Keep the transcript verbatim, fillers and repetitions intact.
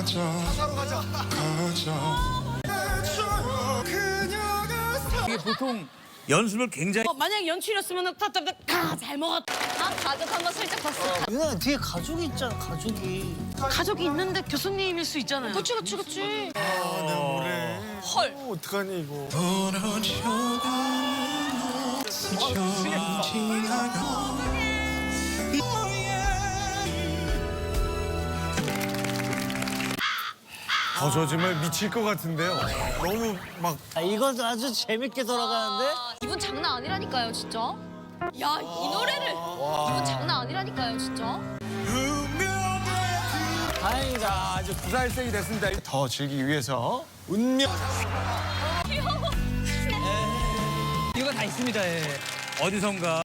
가자 이게 보통 연습을 굉장히 어, 만약에 연출이었으면 다잘 먹었다. 아, 가족 한번 슬쩍 봤어. 누나 뒤에 가족이 있잖아, 가족이. 가족이 있는데 교수님일 수 있잖아요. 그치, 그치, 그치. 내 노래 헐. 어, 어떡하니 이거 어, 저 정말 미칠 것 같은데요. 너무 막 아, 이거 아주 재밌게 돌아가는데? 이분 장난 아니라니까요, 진짜. 야, 이 노래를. 이분 장난 아니라니까요, 진짜. 다행이다. 자, 이제 구사일생이 됐습니다. 더 즐기기 위해서 운명. 이유가 다 있습니다, 예. 어디선가